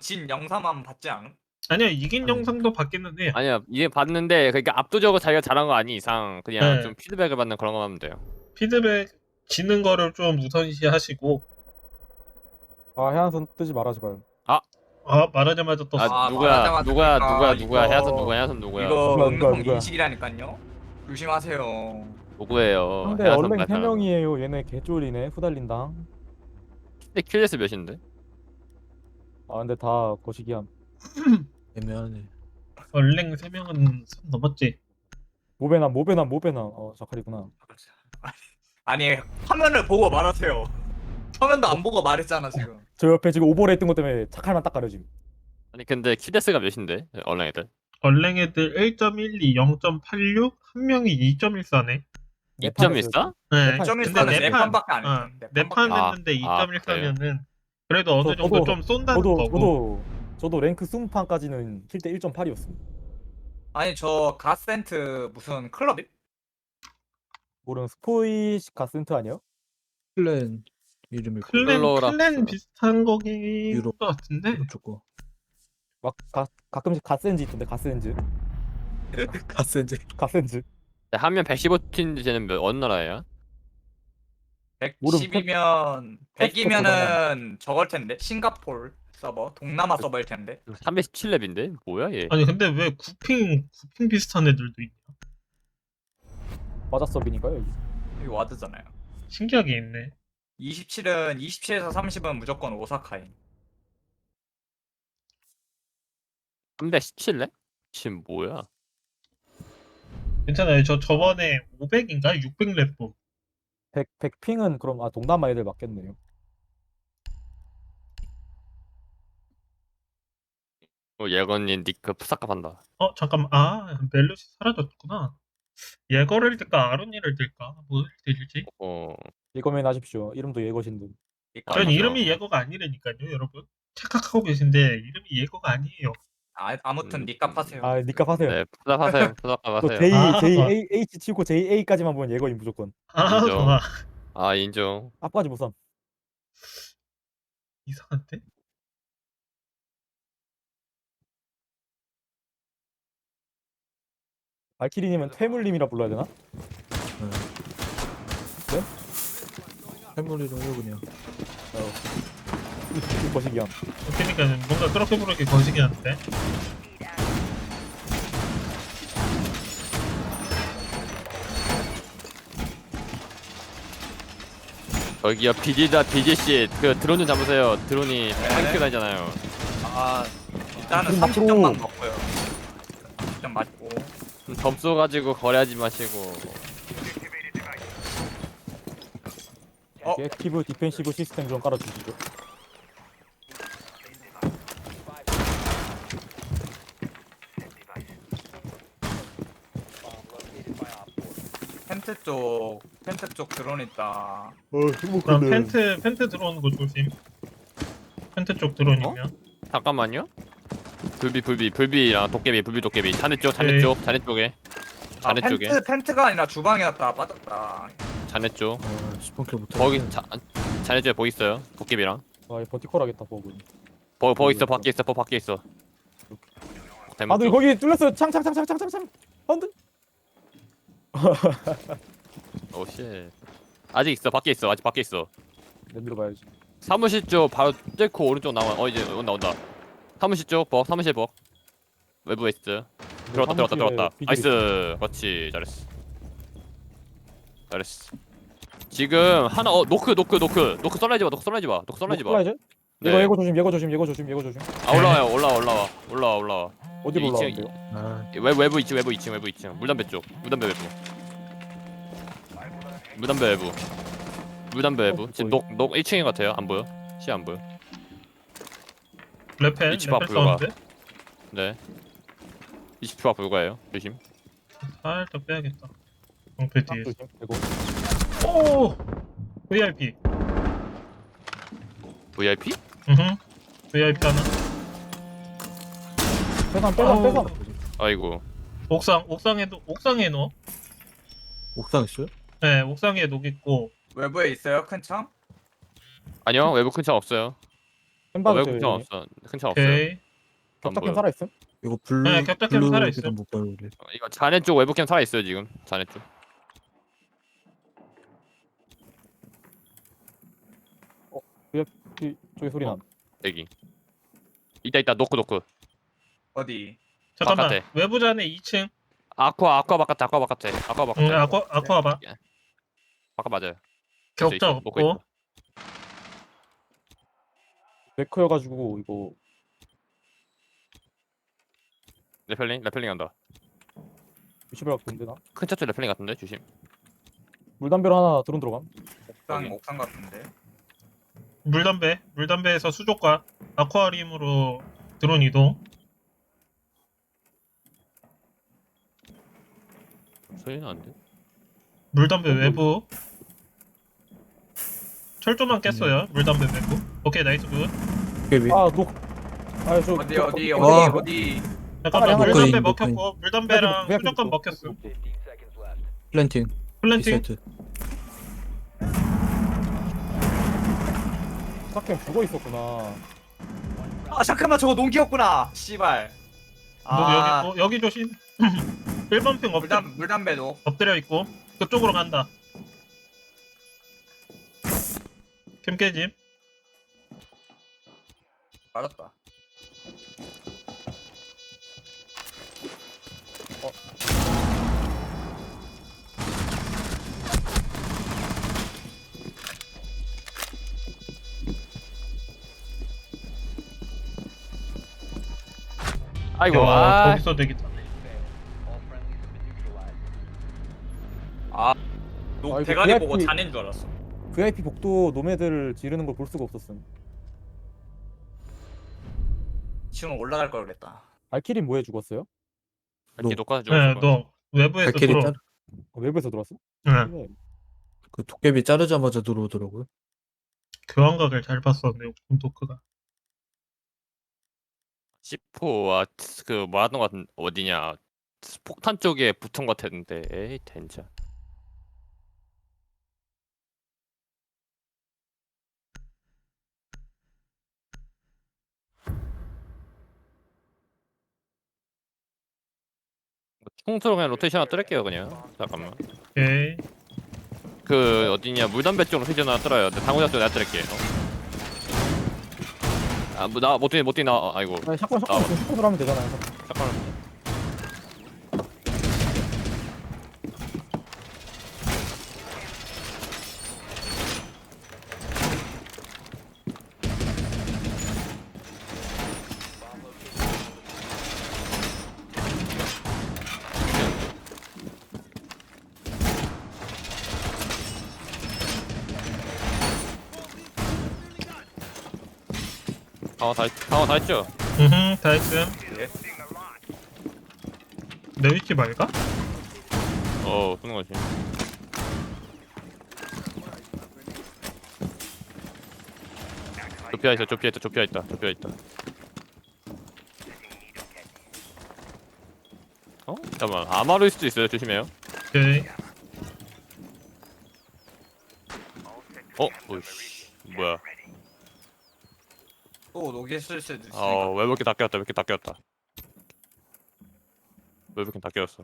진 영상만 봤지 않음? 아니야, 이긴 아니. 영상도 받기는 해. 아니야 이게 봤는데 그러니까 압도적으로 자기가 잘한 거 아니 이상 그냥 네. 좀 피드백을 받는 그런 거 하면 돼요. 피드백 지는 거를 좀 우선시 하시고. 아 해안선 뜨지 말아 제발. 말하자마자 떴어. 아 말하자마자 누구야 그러니까 누구야 이거- 해야선 누구야 해야선 누구야 이거 누구야, 음성 누구야. 인식이라니까요. 조심하세요. 누구예요? 상대 해야선 얼랭 발상. 3명이에요. 얘네 개쫄이네. 후달린당. 근데 킬레스 몇인데? 아 근데 다 거시기함. 애매하네. 얼랭 3명은 선 넘었지. 모베남. 자칼이구나. 아니 화면을 보고 말하세요. 화면도 안 보고 말했잖아 지금. 저 옆에 지금 오버레이 뜬 것 때문에 차칼만 딱 가려짐. 아니 근데 킬레스가 몇인데? 얼랭 애들 얼랭 애들 1.12, 0.86, 한 명이 2.14네. 2.14? 네. 네 좀 근데 있으면 네 네 판, 판밖에 안 했어. 네 네판 판밖에 안 했는데 아, 2.14면은 그래도 어느 정도 저도- 좀 쏜다는 거고. 저도 랭크 20판까지는 킬때 1.8이었음. 아니 저 가센트 무슨 클럽이? 모르는 스포이 가센트 아니야? 클랜 이름일 거야. 클로락스. 클랜 비슷한 거긴 유로. 것 같은데. 오른쪽 거. 막 가끔씩 가센즈 있던데 가센즈. 가센제. 가센즈. 한면 115팀 쟤는 어느 나라예요? 110이면 페스코 100이면은 저걸 텐데 싱가폴 서버 동남아 서버일 텐데. 317렙인데? 뭐야 얘? 아니 근데 왜 구핑 비슷한 애들도 있냐? 맞아 서비니까요 여기. 여기 와드잖아요. 신기하게 있네. 27에서 30은 무조건 오사카인. 317렙? 지금 뭐야? 괜찮아요. 저번에 500인가 600랩 100핑은 그럼 동남아 애들 맞겠네요. 예건님 니크 푸사카 판다. 잠깐만. 멜롯이 사라졌구나. 예거를 뜰까 아론이를 뜰까? 뭘 뜰지? 예거면 하십시오. 이름도 예거신데. 아, 전 맞아. 이름이 예거가 아니라니까요, 여러분. 착각하고 계신데 이름이 예거가 아니에요. 아무튼 니값 하세요. 아 니값 하세요. 네 푸사카 하세요. 푸사카 또 하세요. H 치고 JA까지만 보면 예거인 무조건. 인정. 좋아. 아 인정. 앞까지 못 삼. 이상한데? 발키리님은 퇴물님이라 불러야 되나? 할머니로 해요 그냥. 거시기함. 그러니까 뭔가 그렇게 부르기 거시기한데. 저기요 BG씨 그 드론 좀 잡으세요. 드론이 tank 다니잖아요. 일단은 그럼 30점만 먹고요. 30점 맞고. 점수 가지고 거래하지 마시고. 액티브 디펜시브 시스템 좀 깔아주시죠. 펜트 쪽 드론 있다. 그럼 펜트 들어오는 거 조심. 펜트 쪽 드론이면. 잠깐만요. 불비랑 도깨비 도깨비 자네 네. 자네 쪽에 펜트가 아니라 주방이었다. 빠졌다. 자네 쪽 스폰킬 못해. 거기 자네 쪽에 뭐 있어요? 도깨비랑 버티컬 하겠다 버그. 있어 밖에 있어. 대문 아들 쪽. 거기 뚫렸어요. 창. 헌드. 오씨 아직 있어 밖에 있어 아직 밖에 있어. 내밀어 봐야지. 사무실 쪽 바로 뚫고 오른쪽 나와. 이제 온다. 사무실 쪽 사무실 외부 웨스트 들어왔다. 나이스. 그렇지 잘했어. 지금 하나 노크 썰라이즈 봐. 플라이즈? 네. 예거 조심. 아 올라와. 어디로 2층. 올라가는데요? 아, 외부 2층 물담배 쪽 무담배 외부 지금 녹 1층인 것 같아요. 안 보여 시 안 보여. 레펠 위치 봐, 불러봐. 사운드. 네 20초가 불과해요. 조심. 살짝 빼야겠다. 방패 뒤에. 조심. 예거. 오! VIP. VIP? VIP 하나. 빼삼. 아이고 옥상에 넣어. 옥상 있어요? 네, 옥상에 녹 있고. 외부에 있어요 큰 창? 아니요 외부 큰 창 없어요. 햄버거 외부 큰창 없어. 큰창 없어요. 오케이. 안 격자캠 보여. 살아있음? 이거 블루 네, 격자캠 살아있어요. 블루는 못 봐요 우리. 이거 자네 쪽 외부캠 살아 있어요 지금. 자네 쪽. 저기 소리 나. 여기. 있다 노크. 어디? 잠깐만. 바깥에. 외부 잔에 2층. 아쿠아 바깥에. 아쿠아 바깥에. 응, 아쿠아 봐. 바깥 맞아요. 격자 있어, 먹고 없고. 메커여가지고 이거 레펠링 한다. 위치별 갖고 있는데 나. 큰 차쪽 레펠링 같은데 조심. 물담배로 하나 드론 들어감. 여기. 옥상 같은데. 물담배에서 수족과 아쿠아리움으로 드론 이동. 소리는 안 돼. 물담배 외부. 철조망 깼어요. 물담배 외부. 오케이, 나이스 굿. 깨비. 아 녹. 아저 어디? 잠깐만, 아, 물담배 녹화인, 먹혔고 물담배랑 녹화인. 수족관 먹혔어. 플랜팅. 플랜팅. 디사이트. 격자캠 죽어 있었구나. 아 잠깐만 저거 농기였구나. 씨발. 여기 조심. 1번 핑 물담배도. 엎드려 있고 그쪽으로 간다. 캠 깨짐. 맞았다. 아이고. 야, 거기서 되겠다. 이거 대가리 VIP 보고 자네인 줄 알았어. VIP 복도 노매들 지르는 걸 볼 수가 없었음. 지금 올라갈 걸 그랬다. 발키린 뭐해 죽었어요? 이렇게 녹화 중. 네, 너 외부에서 발키리 들어. 짤. 외부에서 들어왔어? 네. 네. 그 도깨비 자르자마자 들어오더라고요. 교환각을 잘 봤었네. 도크가. C4와 그 뭐하던 것 같은 어디냐. 폭탄 쪽에 붙은 것 같았는데. 에이 덴자. 총소로 그냥 로테이션 하나 뜰게요 그냥. 잠깐만. 오케이. 그 어디냐 물담배 쪽 로테이션 하나 뜰어요. 근데 당구장 쪽 내가 뜰게요. 아뭐나 못 뛰나. 아이고. 아니 샷건 하면 되잖아요. 잠깐만. 강화 다 했죠? 다 했음. 예. 내 위치 말까? 쏘는 거지. 좁혀 있다. 잠깐만. 아마루일 수도 있어요. 조심해요. 오케이. 오이씨. 뭐야? 또 녹이 쓸 수도 있으니까. 외부캠 다 깨웠다. 외부캠 다 깨웠어.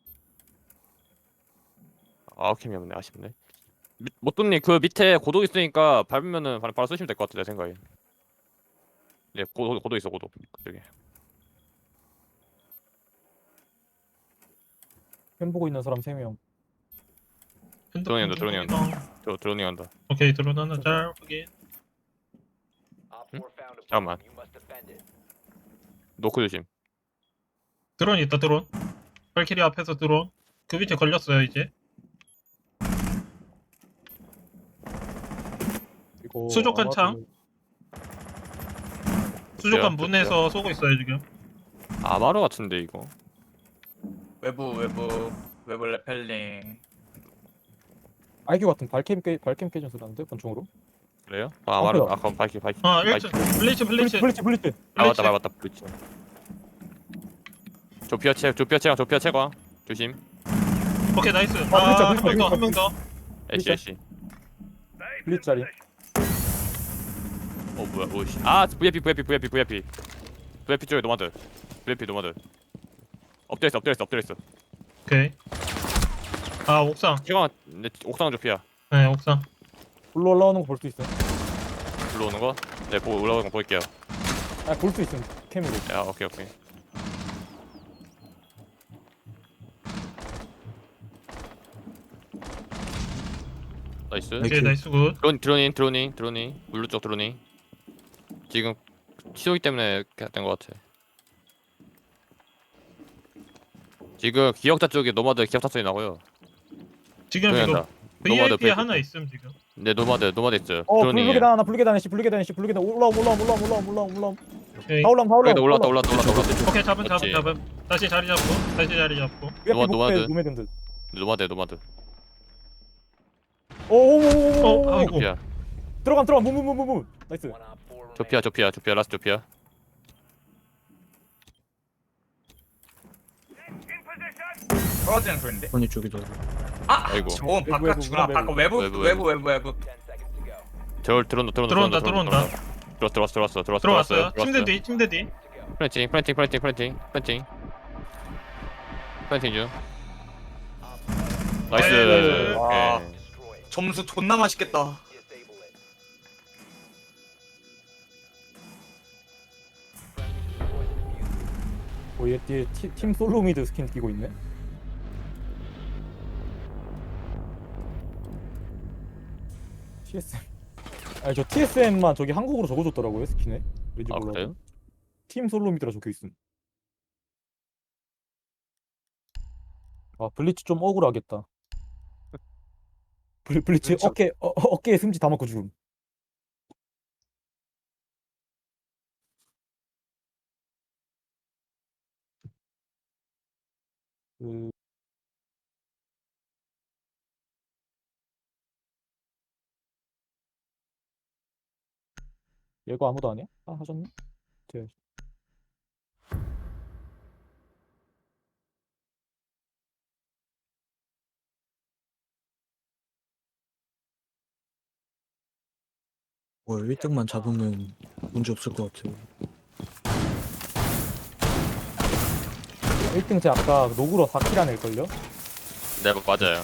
아웃캠이 없네. 아쉽네. 모또님 그 밑에 고도 있으니까 밟으면은 바로 쏘시면 될 것 같아 내 생각에. 네, 고도 있어 고도 그쪽에. 펜 보고 있는 사람 3명. 드론이 온다. 드로닝 한다. 오케이, 드론 하나 잘 확인. 잠깐만. 노크 조심. 드론 있다, 드론. 발키리 앞에서 드론. 그 위치에 걸렸어요, 이제. 이거 수족관 창. 수족관 돼요? 문에서 쏘고 있어요, 지금. 아마루 같은데 이거. 외부 레펠링. IQ 같은 발캠 깨진 소리 나는데 권총으로? 그래요? 아마루 뭐야? 아까 바이키. 아, 1층. 블리츠. 블리츠. 밟았다. 블리츠. 조피아 채광 조심. 오케이, 나이스. 블리츠, 한 명 더. 애쉬. 블리츠 자리. 뭐야 오씨 아 VIP 쪽에 노마드 VIP 노마드 엎드려있어 오케이. 아 옥상. 시간 내 옥상 좁히야 네 옥상. 불러 올라오는 거 볼 수 있음. 불러오는 거? 네 보고 올라오는 거 보일게요 볼 수 있음. 캠으로. 야 오케이 나이스 오케이 나이스 굿. 드로닝 물루 쪽 드로닝 지금 치우기 때문에 된것 같아 지금 기억자 쪽에 노마드 기억자 소리 나고요 지금 조용히 이거 한다. VIP 노마드 하나 있음 지금. 네 노마드 있어요 불계단 드로닝 하나 불계단 씨 불계단 올라옴. 오케이. 다 올라옴. 올랐다 오케이 잡음. 그렇지. 다시 자리 잡고. VIP 노마드. 목표에 노매든 듯. 노마드 오오오오. 아이고. 조피아 들어감. 무무무무무. 나이스. 조피아 라스트 조피아 떨어지는 소린데. 언니 쪽이다. 아이고. 저건 외부, 바깥이구나. 외부, 바깥 외부. 외부. 들어온다 들어왔어요. 침대 뒤. 플랜팅 중 나이스 네. 와. 오케이. 점수 존나 맛있겠다. 얘 뒤에 팀 솔로미드 스킨 끼고 있네. TSM. 아니 저 TSM만 저기 한국어로 적어줬더라고요 스킨에. 왠지 아 몰라. 그래요? 팀 솔로미드라 적혀 있음. 블리츠 좀 억울하겠다. 블리츠 그렇죠. 어깨에 승지 다 맞고 죽음. 그 얘가 아무도 아니야? 하셨네? 돼. 뭐 1등만 잡으면 문제 없을 것 같아요. 1등 제 아까 노구로 4킬 낼걸요? 네 맞아요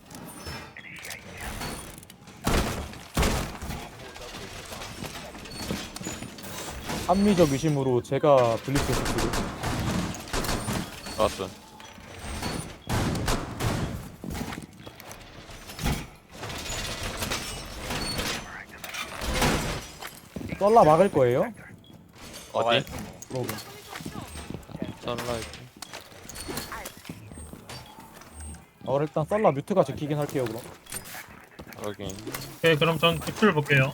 합리적 의심으로 제가 블리츠 했었거든요. 좋았어 썰라 막을 거예요? 어디? 그러고 선라이트 일단 썰라 뮤트가 지키긴 할게요 그럼. 확인 오케이 그럼 전 뒷줄 볼게요.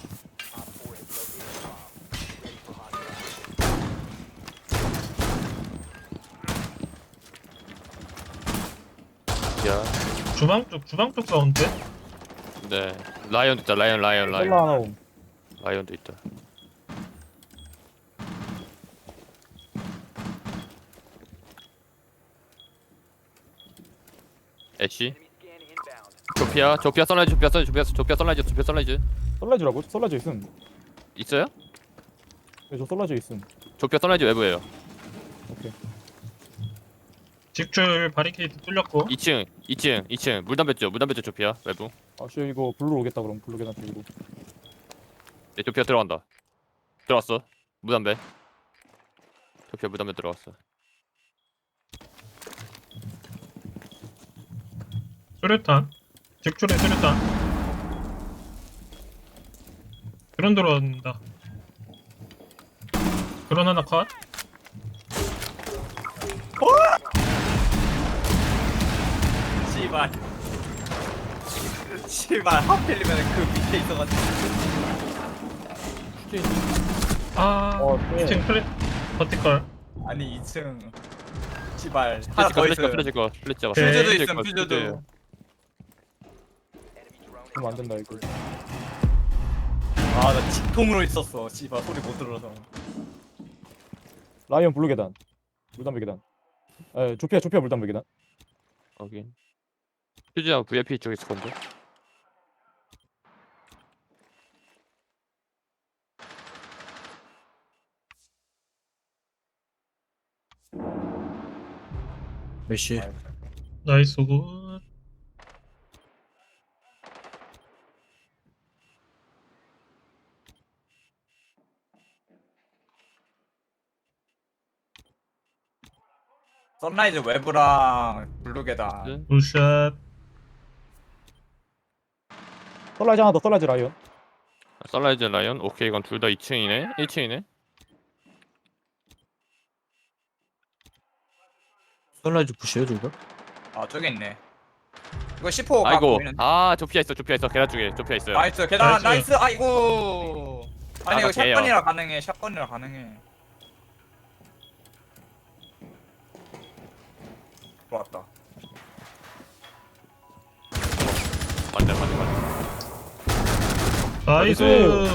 야 주방 쪽 사운드. 네 라이언도 있다 라이언 썰라 하나 옴. 라이언도 있다 애쉬 조피아 선라이즈 썰라즈라고? 썰라즈 있음. 있어요? 네, 저 썰라즈 있음. 조피아 선라이즈 외부에요 오케이. 직줄 바리케이드 뚫렸고. 2층 물담배 쪽 조피아 외부 씨 이거 블루 오겠다 그럼 블루 계단 쪽으로. 네 조피아 들어왔어 무담배 조피아 무담배 들어왔어 수류탄. 직줄에 수류탄. 드론 들어온다. 드론 하나 컷. 씨발 하필이면 그 밑에 있어가지고. 아. 네. 2층 플랫 버티컬. 아니 2층. 씨발 하나 더 있어. 플래시 거 오케이. 퓨즈도 있음 퓨즈도. 그럼 안 된다 이거. 나 직통으로 있었어. 씨발 소리 못 들어서. 라이언 블루 계단. 물담배 계단. 조피아 물담배 계단. 확인 퓨즈야 VIP 쪽에 있을 건데 메시. 나이스 굿. 선라이즈 외부랑 블루계단. 굿샷. 썰라이즈 하나 더, 썰라이즈 라이언. 썰라이즈 라이언. 오케이, 이건 둘 다 2층이네. 1층이네. 선라이즈 부시에요 둘 다? 아 저기 있네. 이거 10호 각 아이고. 보이는데. 아, 좁히야 있어. 좁히야 있어. 계란 쪽에 좁히야 있어요. 나이스 계단 나이스. 나이스. 아이고. 아니 이거 아, 개요. 샷건이라 가능해. 샷건이라 가능해. 좋았다. 맞네, 맞네, 맞네. 나이스.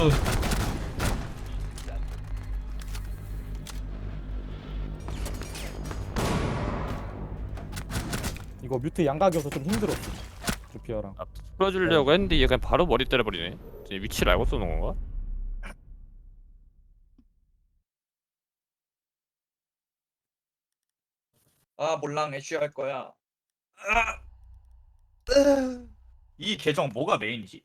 이거 뮤트 양각이어서 좀 힘들었어. 조피아랑. 풀어주려고 했는데 얘 그냥 바로 머리 때려버리네. 쟤 위치를 알고 쏘는 건가? 아 몰랑 애쉬 할 거야. 이 계정 뭐가 메인이지?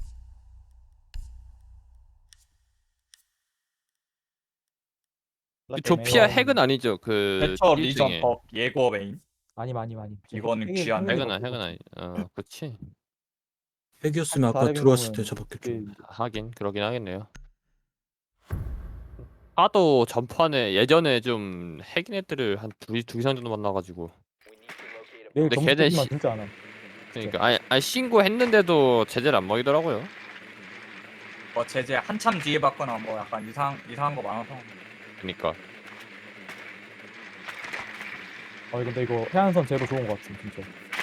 이 조피아 핵은 아니죠. 그 대처 1등에. 리전 법 예고 메인. 많이 많이 많이. 이거는 핵이- 귀한 핵이 핵은 없어. 핵은 아니. 그렇지. 핵이었으면 아까 다른 들어왔을 때 경우는 잡았겠죠. 하긴 그러긴 하겠네요. 하도 전판에 예전에 좀 핵인 애들을 한 두 이상 정도 만나가지고. 내일 근데 점수 걔네 뽑기만 시- 진짜 안 해. 그러니까 아니 신고했는데도 제재를 안 먹이더라고요. 뭐 제재 한참 뒤에 받거나 뭐 약간 이상한 거 많아서. 그러니까 근데 이거 해안선 제로 좋은 것 같음 진짜.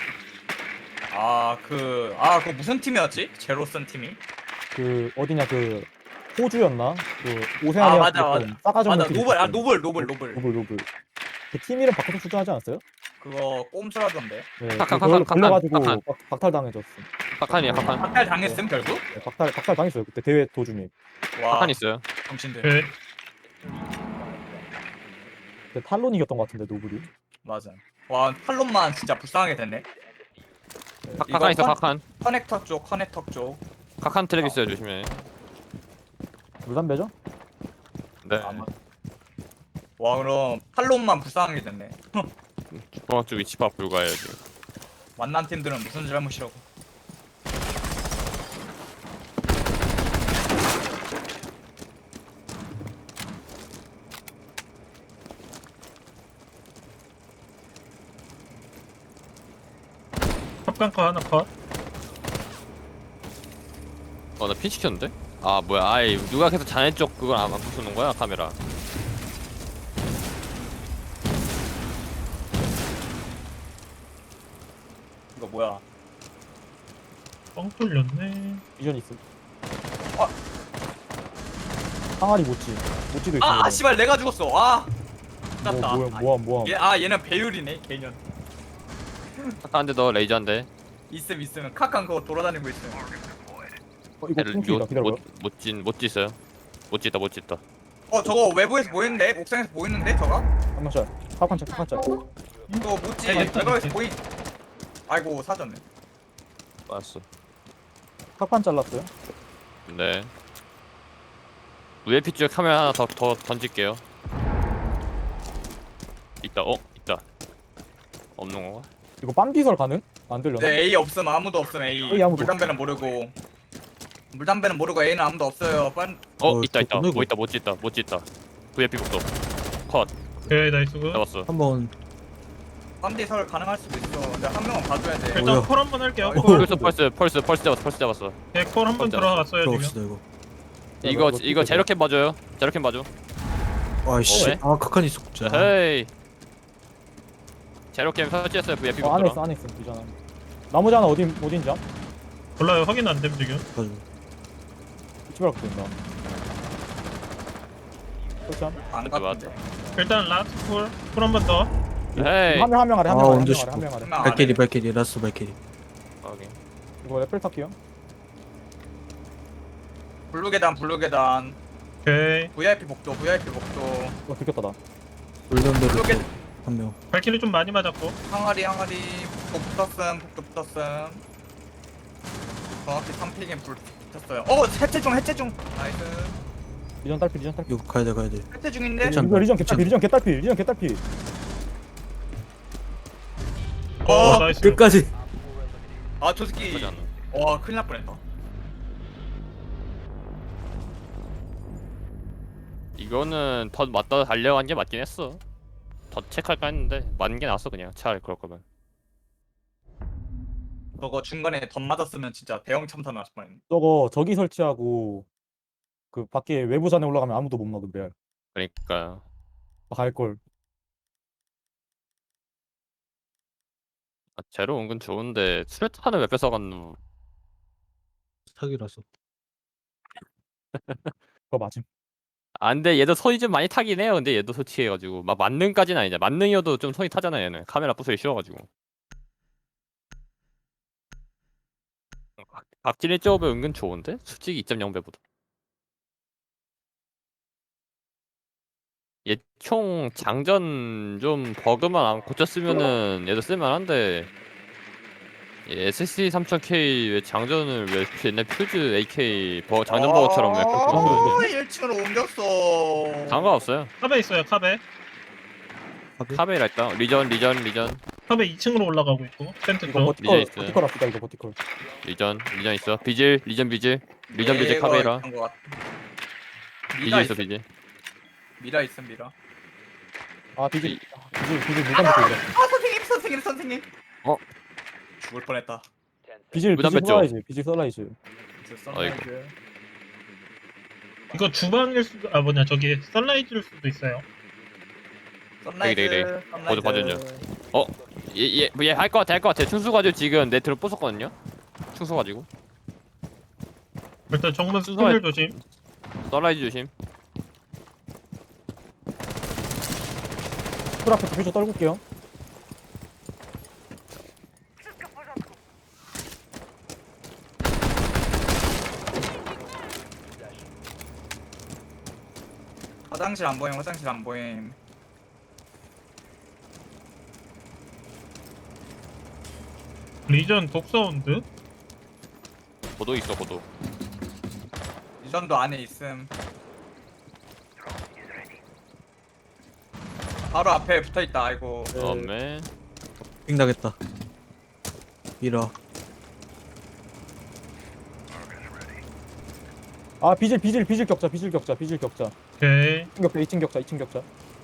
그거 무슨 팀이었지? 제로 쓴 팀이? 그 어디냐 그 호주였나? 그 오세아니아 맞아, 좀 맞아. 싸가지 없는 맞아 팀 노블 있었거든. 노블. 노블. 그 팀 이름 바꿔서 출전하지 않았어요? 그거 꼼수라던데. 네. 카칸, 그걸로 카칸, 걸려가지고 카칸. 박탈당해졌어. 카칸이야 카칸. 박탈 당했음 결국? 네, 박탈 당했어요 그때 대회 도중에. 와 카칸 있어요. 정신들. 오케이. 그때 탈론 이겼던 것 같은데 노블이. 맞아. 와 팔론만 진짜 불쌍하게 됐네. 카칸 있어 카칸. 커넥터 쪽. 카칸 트랙 있어요 조심해. 물담배죠? 네. 와 그럼 팔론만 불쌍하게 됐네. 중앙쪽 위치 파 불가해요 지금. 만난 팀들은 무슨 잘못이라고. 탑강카 하나 컷. 나 핀 시켰는데? 아 뭐야? 아이 누가 계속 자네 쪽 그걸 안 부수는 거야 카메라? 이거 뭐야? 뻥 뚫렸네. 비전 있음. 아. 항아리 모찌도 있어. 아 씨발 내가 죽었어. 아. 땄다. 뭐야. 얘는 배율이네 개년. 카칸 한 대 더 레이저 한 대. 있으면 카칸 그거 돌아다니고 있음. 이거 punk이다 기다려봐. 못지 있어요. 못지 있다. 저거 외부에서 보이는데? 옥상에서 보이는데 저거? 한명짤. 카칸짤. 이거 뭐지? 네, 외부에서 보이. 아이고 사졌네. 알았어. 카칸 잘랐어요. 네. VIP 쪽 카메라 하나 더 던질게요. 있다. 있다. 없는 건가? 이거 빰비설 가능? 안 들려나? 네 A 없음 아무도 없음 A. A 아무도 물담배는 모르고. 물담배는 모르고 A는 아무도 없어요. 있다. 그렇구나, 이거. 못지 있다. VIP 복도. 컷. 오케이 나이스 굿. 잡았어. 한번 빰디 설 가능할 수도 있어. 근데 한 명은 봐줘야 돼. 일단 뭐야? 콜 한번 할게요. 어, 콜. 펄스 잡았어. 네, 콜 한번 진짜. 들어갔어요 지금. 들어갑시다 이거. 이거 제로캠 봐줘요. 제로캠 봐줘. 아이씨. 왜? 아 카칸 있었구나. 헤이. 제로캠 설치했어요. VIP 안에 복도. 있어 비전 안에. 나머지 하나 어딘지 암? 몰라요 확인 안 됨 지금. 맞아. 이치바락 된다. 그렇죠. 안 갔는데. 일단 라스트 콜 한번 더. 헤이. 한 명 아래 아, 언제 싶어. 한 명 아래. 한 명. 안 발키리 라스트 발키리. 확인. 이거 레펠 탈게요. 블루 계단. 오케이. VIP 복도. 이거 들켰다 나. 돌던데로 그렇게- 한 명. 발키리 좀 많이 맞았고. 항아리 복 붙었음 복도 붙었음. 정확히 3픽에 불 붙었어요. 해체 중 나이스. 리전 딸피 리전 딸피. 이거 가야 돼. 해체 중인데. 괜찮- 리전 개딸피 리전 개딸피. 나이스. 끝까지. 아 저 새끼. 그러지 않나? 와 큰일 날 뻔했다. 이거는 덧 맞다 달려간 게 맞긴 했어. 덧 체크할까 했는데 맞는 게 나왔어 그냥. 차라리 그럴 거면. 저거 중간에 덧 맞았으면 진짜 대형 참사 났을 뻔했네. 저거 저기 설치하고 그 밖에 외부산에 올라가면 아무도 못 막은 레알. 그러니까 갈 걸. 제로 은근 좋은데 수류탄을 왜 뺏어갔노? 사기라서. 그거 맞음. 아 근데 얘도 손이 좀 많이 타긴 해요. 근데 얘도 솔직해가지고 막 만능까지는 아니잖아. 만능이어도 좀 손이 타잖아 얘는. 카메라 부수기 쉬워가지고. 각질의 조합이 은근 좋은데? 솔직히 2.0배보다. 얘 총 장전 좀 버그만 안 고쳤으면은 얘도 쓸만한데 얘 SSD 3000K 왜 장전을 왜 옛날 퓨즈 AK 장전 버거처럼 왜 그렇게 했어요? 1층으로 옮겼어. 상관없어요. 카베 있어요. 카베. 카베라 있다. 리전 카베 2층으로 올라가고 있고. 텐트 이거 쪽. 이제 있어요. 버티컬 합시다 이거 버티컬. 리전 있어. 리전 비질 카베라. 비질 있어 비질. 미라 있음 미라. 아 비질 무담부터 이래. 아 선생님. 어? 죽을 뻔했다. 비질 무담배 쪽. 썰라이즈. 아이고. 이거 주방일 수도 저기 썬라이즈일 수도 있어요. 선라이즈. 어디 봐줬냐? 얘 할 것 같아. 충수 가지고 지금 네트로 부쉈거든요. 충수 가지고. 일단 정문 순서에- 스킬 조심. 썰라이즈 조심. 풀 앞에 비질 떨굴게요. 화장실 안 보임. 리전 독사운드. 고도 있어 고도. 리전도 안에 있음. 바로 앞에 붙어 있다. 아이고. 엄매. 빙 나겠다. 미라. 아 비질 격자. 오케이. 2층 격자.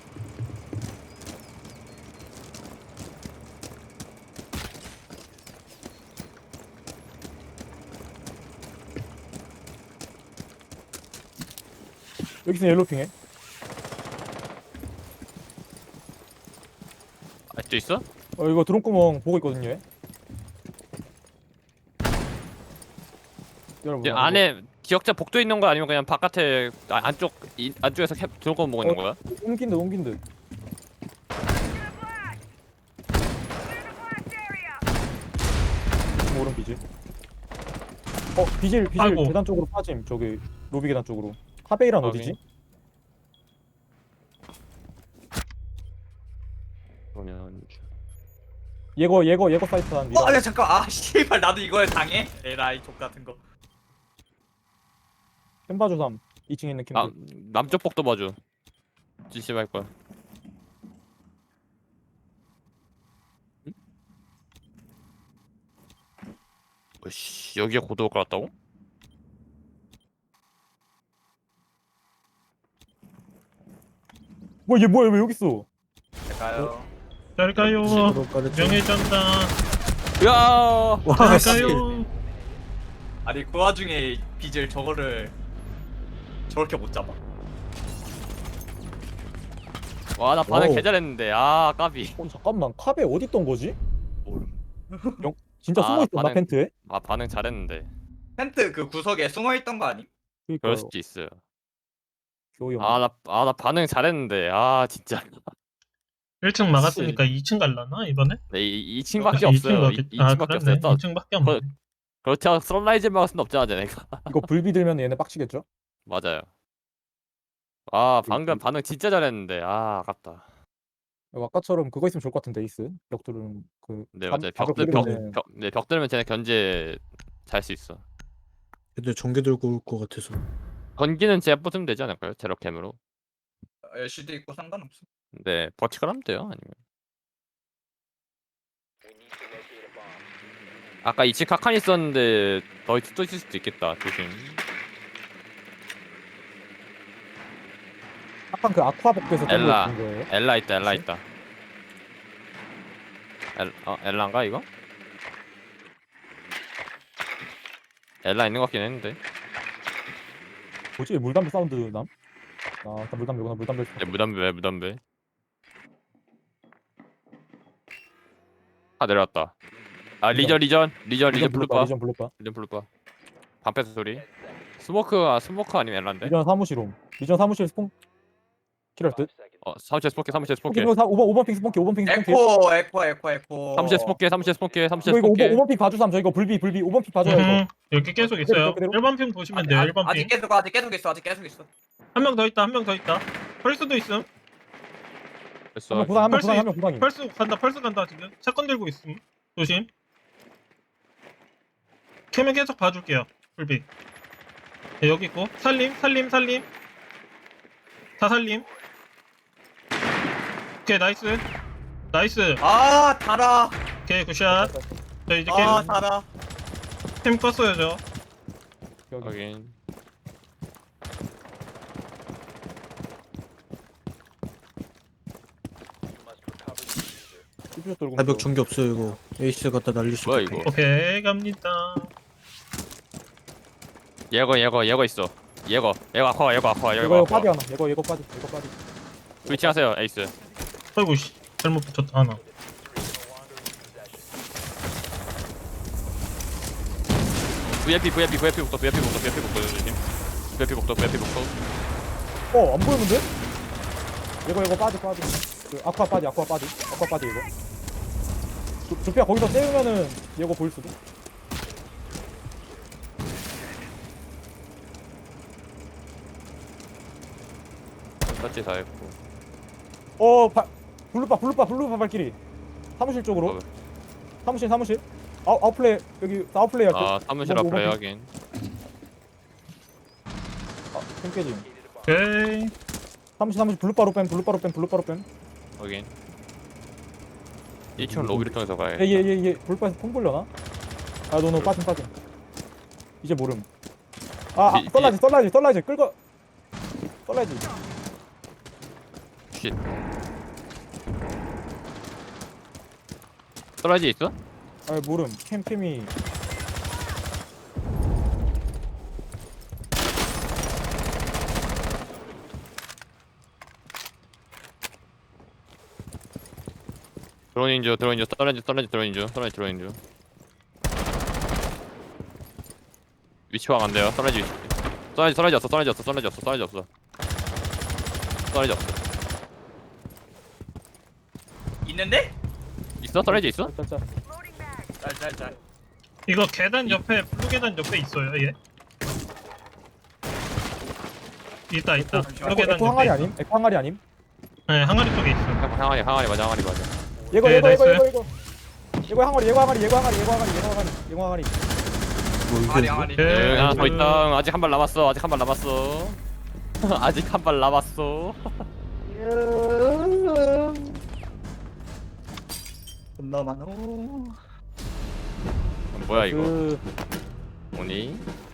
여기서 옐로핑해. 아직도 있어? 이거 드론 구멍 보고 있거든요. 얘. 여러분. 얘 안에 기억자 복도 있는 거 아니면 그냥 바깥에 안쪽에서 들고 보고 있는 거야? 옮긴 듯. 오른 비질. 비질 아이고. 계단 쪽으로 빠짐. 저기 로비 계단 쪽으로. 카베이란 확인. 어디지? 그러면 예거 사이트 한 미라. 아니 잠깐. 아 씨발 나도 이거에 당해. 에라이 족 같은 거. 캔바주 3 2층에 있는 캔. 남쪽 복도 봐줘. 지시 할 거야. 씨 여기에 고도가 깔았다고? 얘 뭐야 왜 여기 있어? 제가요. 잘 가요. 바로 까르지. 명예전당. 야 와, 씨. 잘 가요. 아니 그 와중에 비질 저거를 저렇게 못 잡아. 와 나 반응 와우. 개 잘했는데 아 까비. 잠깐만 카베 어디 있던 거지? 모름. 진짜 아, 숨어 있었나 반응- 펜트에? 아 반응 잘했는데. 텐트 그 구석에 숨어 있던 거 아니? 그럴 그러니까 수도 있어요. 교영. 나 반응 잘했는데 아 진짜. 1층 막았으니까 2층 갈라나 이번에? 네, 2층밖에 없어요. 2층밖에 없어요. 또 2층밖에 없네. 그렇다고 썬라이즈 막을 순 없잖아 쟤네가. 이거 불비 들면 얘네 빡치겠죠? 맞아요. 아 방금 반응 진짜 잘했는데 아 아깝다. 아까처럼 그거 있으면 좋을 것 같은데 에이스 벽돌은 그 네 감- 맞아요. 가격 벽 올리면은 들면 쟤네 견제 잘 수 있어. 애들 전개 들고 올 것 같아서. 건기는 제가 뽑으면 되지 않을까요? 제로캠으로. LCD 있고 상관없어. 네 버티컬 하면 돼요. 아니면 아까 2층 카칸 있었는데 또 있을 수도 있겠다. 조심. 약간 그 아쿠아 복도에서 엘라. 뜬 거예요. 엘라 있다. 엘라 혹시? 있다. 엘라인가 이거? 엘라 있는 것 같긴 했는데. 뭐지 물담배 사운드 남? 아 일단 물담배구나 물담배. 네, 무담배. 아 내려왔다. 아 리전 블루바. 리전 블루바. 리전 블루바. 반패스 소리. 스모크 아니면 엘라인데? 리전 사무실옴. 리전 사무실 스폰 킬할 듯. 사무실 스포케. 5번 핑 스폰키 5번 핑 스폰키. 에코. 사무실 스포케. 이거 5번 핑 봐주삼. 저 이거 불비 5번 핑 봐줘요 이거. 여기 계속 있어요. 그대로. 1번 핑 보시면 돼요. 1번 아직 핑. 계속 있어. 한 명 더 있다. 펄스도 있음. 됐어. 한명 부상 한명 부상이. 펄스 간다 지금. 사건 들고 있음. 조심. 캠은 계속 봐줄게요. 불비. 네, 여기 있고. 살림. 다 살림. 오케이 나이스. 아 달아. 오케이 굿샷. 저 이제 아 달아. 캠 껐어요 저. 여기. 확인. 삐삐 돌고. 가벽 전개 없어요 이거. 에이스 갖다 날릴 수 뭐야 있겠다. 이거? 오케이 갑니다. 예거 있어. 예거 아쿠아. 이거 빠디 하나. 이거 빠디. 위치하세요 에이스. 아이고 씨 잘못 붙였다 하나. VIP부터 조심. VIP부터. 안 보이는데? 이거 빠디. 그 아쿠아 빠디 이거. 조피아 거기서 떼우면은 이거 보일 수도. 터치 다 했고. 블루바 발길이. 사무실 쪽으로. 사무실. 아웃플레이 여기 아웃플레이 할게. 아 사무실 오번 앞으로 핑. 확인. 캠 깨짐. 오케이. 사무실 블루바로 뺨. 확인. 1층 로비를 통해서 가야. 얘 블루바에서 폰 불려나? 아 노 빠짐. 이제 모름. 썰라이즈 끌고. 썰라이즈. 쉿. 떨어지 있어? 아 모름. 캠이. 드론인주 위치 확 안 돼요. 떨어지 없어. 있는데? 있어? 떨어지 있어? 짤. 짤. 이거 계단 옆에 블루 계단 옆에 있어요 얘. 있다. 블루 계단 에코 항아리 옆에. 아님? 에코 항아리 아님? 네 항아리 쪽에 있어. 항아리 맞아. 이거 네, 나이스. 이거 항아리. 뭐 이게 아리. 오케이. 하나 더 있다. 아직 한 발 남았어. 아직 한 발 남았어. 겁나 많어. 뭐야 이거? 그 오니?